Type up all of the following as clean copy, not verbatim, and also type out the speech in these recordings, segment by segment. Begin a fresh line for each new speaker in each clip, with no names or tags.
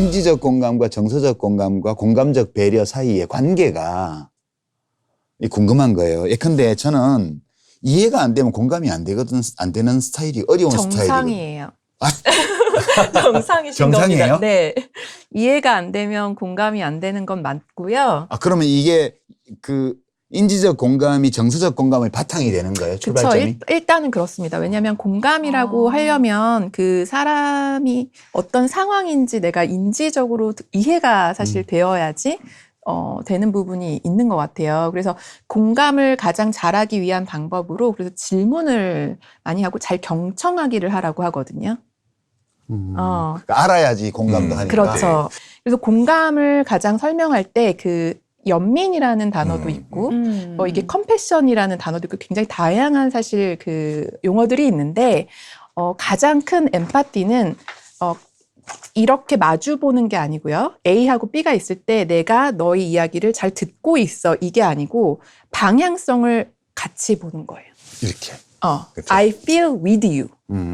인지적 공감과 정서적 공감과 공감적 배려 사이의 관계가 궁금한 거예요. 예컨대 저는 이해가 안 되면 공감이 안 되는 스타일이 어려운 스타일이거든요.
정상이에요.
아?
정상이신
정상이에요?
겁니다. 네. 이해가 안 되면 공감이 안 되는 건 맞고요.
아, 그러면 이게 그 인지적 공감이 정서적 공감의 바탕이 되는 거예요, 출발점이?
그렇죠. 일단은 그렇습니다. 왜냐하면 공감이라고 하려면 그 사람이 어떤 상황인지 내가 인지적으로 이해가 사실 되어야지 되는 부분이 있는 것 같아요. 그래서 공감을 가장 잘하기 위한 방법으로 그래서 질문을 많이 하고 잘 경청하기를 하라고 하거든요.
그러니까 알아야지 공감도 하니까.
그렇죠. 그래서 공감을 가장 설명할 때 그 연민이라는 단어도 있고, 이게 컴패션이라는 단어도 있고, 굉장히 다양한 사실 그 용어들이 있는데, 가장 큰 엠파티는, 이렇게 마주 보는 게 아니고요. A하고 B가 있을 때 내가 너의 이야기를 잘 듣고 있어. 이게 아니고, 방향성을 같이 보는 거예요.
이렇게. 그렇죠.
I feel with you.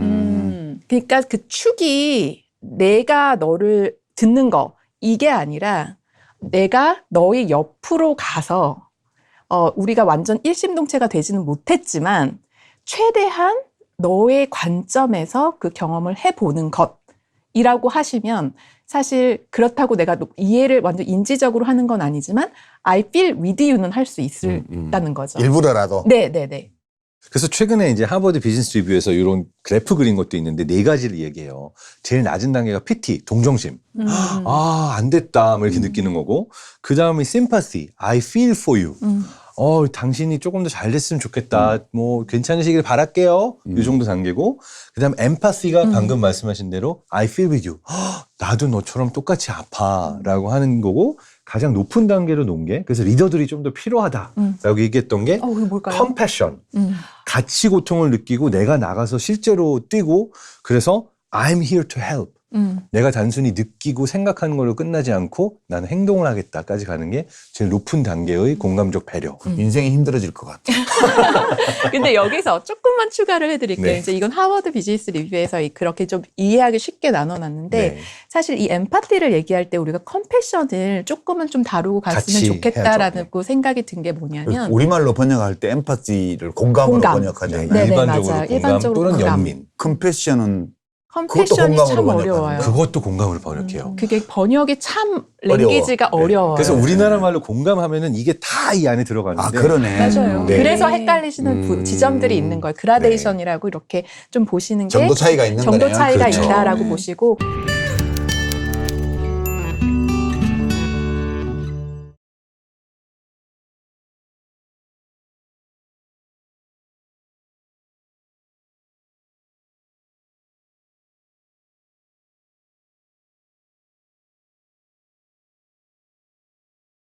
그러니까 그 축이 내가 너를 듣는 거, 이게 아니라, 내가 너의 옆으로 가서 우리가 완전 일심동체가 되지는 못했지만 최대한 너의 관점에서 그 경험을 해보는 것이라고 하시면 사실 그렇다고 내가 이해를 완전 인지적으로 하는 건 아니지만 I feel with you는 할 수 있다는 거죠.
일부러라도.
네네네.
그래서 최근에 이제 하버드 비즈니스 리뷰에서 이런 그래프 그린 것도 있는데 4가지를 얘기해요. 제일 낮은 단계가 PT, 동정심. 아, 안 됐다. 뭐 이렇게 느끼는 거고. 그 다음에 sympathy, I feel for you. 당신이 조금 더 잘 됐으면 좋겠다. 뭐 괜찮으시길 바랄게요. 이 정도 단계고. 그 다음에 empathy가 방금 말씀하신 대로 I feel with you. 나도 너처럼 똑같이 아파. 라고 하는 거고. 가장 높은 단계로 놓은 게 그래서 리더들이 좀 더 필요하다라고 얘기했던 게
그게 뭘까요?
compassion. 같이 고통을 느끼고 내가 나가서 실제로 뛰고 그래서 I'm here to help. 내가 단순히 느끼고 생각하는 걸로 끝나지 않고 나는 행동을 하겠다까지 가는 게 제일 높은 단계의 공감적 배려.
인생이 힘들어질 것 같아.
근데 여기서 조금만 추가를 해드릴게요.
네.
이제 이건 하버드 비즈니스 리뷰에서 그렇게 좀 이해하기 쉽게 나눠놨는데
네.
사실 이 엠파티를 얘기할 때 우리가 컴패션을 조금은 좀 다루고 갔으면
같이
좋겠다라는 생각이 든 게 뭐냐면
우리말로 번역할 때 엠파티를 공감으로
공감.
번역하잖아요.
네,
일반적으로
맞아요.
공감
일반적으로
또는
공감.
연민.
컴패션은
컴패션이
그것도
참
공감으로
어려워요.
그것도 공감을 번역해요.
그게 번역이 참
어려워.
랭귀지가
네.
어려워요.
그래서 우리나라 말로 공감하면은 이게 다 이 안에 들어가는데
아, 그러네.
맞아요.
네.
그래서 헷갈리시는 지점들이 있는 거예요. 그라데이션이라고 이렇게 좀 보시는 게
정도 차이가 있는
정도
거네요.
차이가
그렇죠.
있다라고
네.
보시고